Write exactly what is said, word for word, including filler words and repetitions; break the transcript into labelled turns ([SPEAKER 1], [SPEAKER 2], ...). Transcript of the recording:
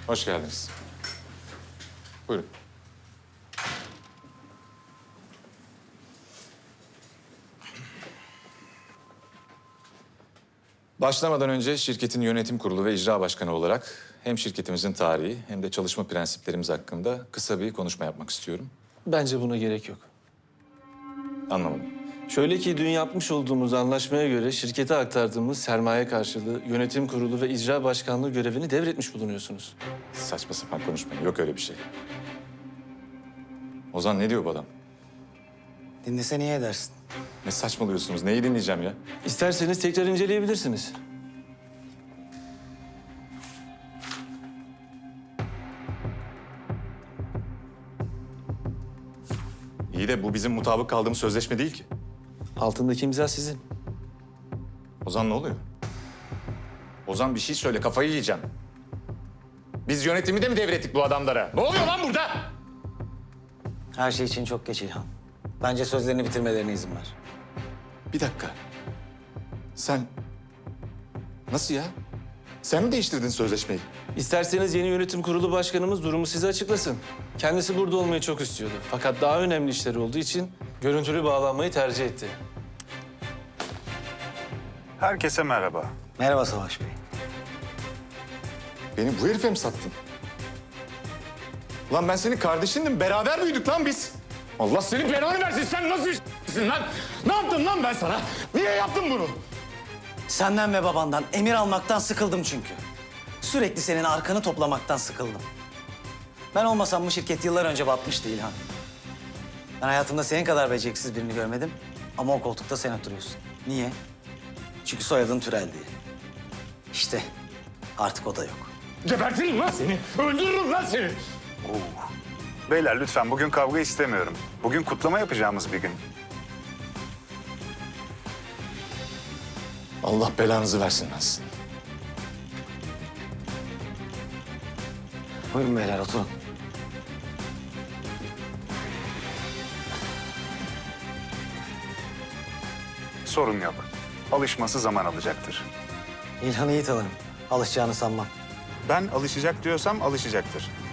[SPEAKER 1] Hoş geldiniz. Buyurun. Başlamadan önce şirketin yönetim kurulu ve icra başkanı olarak hem şirketimizin tarihi hem de çalışma prensiplerimiz hakkında kısa bir konuşma yapmak istiyorum.
[SPEAKER 2] Bence buna gerek yok.
[SPEAKER 1] Anlamadım.
[SPEAKER 2] Şöyle ki dün yapmış olduğumuz anlaşmaya göre şirkete aktardığımız sermaye karşılığı yönetim kurulu ve icra başkanlığı görevini devretmiş bulunuyorsunuz.
[SPEAKER 1] Saçma sapan konuşmayın. Yok öyle bir şey. Ozan ne diyor bu adam?
[SPEAKER 3] Dinlese niye edersin?
[SPEAKER 1] Ne saçmalıyorsunuz? Neyi dinleyeceğim ya?
[SPEAKER 2] İsterseniz tekrar inceleyebilirsiniz.
[SPEAKER 1] İyi de bu bizim mutabık kaldığımız sözleşme değil ki.
[SPEAKER 2] Altındaki imza sizin.
[SPEAKER 1] Ozan ne oluyor? Ozan bir şey söyle, kafayı yiyeceğim. Biz yönetimi de mi devrettik bu adamlara? Ne oluyor lan burada?
[SPEAKER 3] Her şey için çok geç İlhan. Bence sözlerini bitirmelerine izin ver.
[SPEAKER 1] Bir dakika. Sen... Nasıl ya? Sen mi değiştirdin sözleşmeyi?
[SPEAKER 2] İsterseniz yeni yönetim kurulu başkanımız durumu size açıklasın. Kendisi burada olmayı çok istiyordu. Fakat daha önemli işleri olduğu için görüntülü bağlanmayı tercih etti.
[SPEAKER 4] Herkese merhaba.
[SPEAKER 3] Merhaba Savaş Bey.
[SPEAKER 1] Beni bu herife mi sattın? Lan ben senin kardeşindim. Beraber büyüdük lan biz. Allah senin belanı versin. Sen nasıl işsin lan? Ne yaptım lan ben sana? Niye yaptın bunu?
[SPEAKER 3] Senden ve babandan emir almaktan sıkıldım çünkü. Sürekli senin arkanı toplamaktan sıkıldım. Ben olmasam bu şirket yıllar önce batmıştı İlhan. Ben hayatımda senin kadar beceriksiz birini görmedim. Ama o koltukta sen oturuyorsun. Niye? Çünkü soyadın Türel diye. İşte artık o da yok.
[SPEAKER 1] Gebertirim lan seni. Öldürürüm lan seni.
[SPEAKER 4] Beyler lütfen bugün kavga istemiyorum. Bugün kutlama yapacağımız bir gün.
[SPEAKER 1] Allah belanızı versin lan sizin.
[SPEAKER 3] Buyurun beyler oturun.
[SPEAKER 4] Sorun yok. Alışması zaman alacaktır.
[SPEAKER 3] İlhan'ı iyi tanırım. Alışacağını sanmam.
[SPEAKER 4] Ben alışacak diyorsam alışacaktır.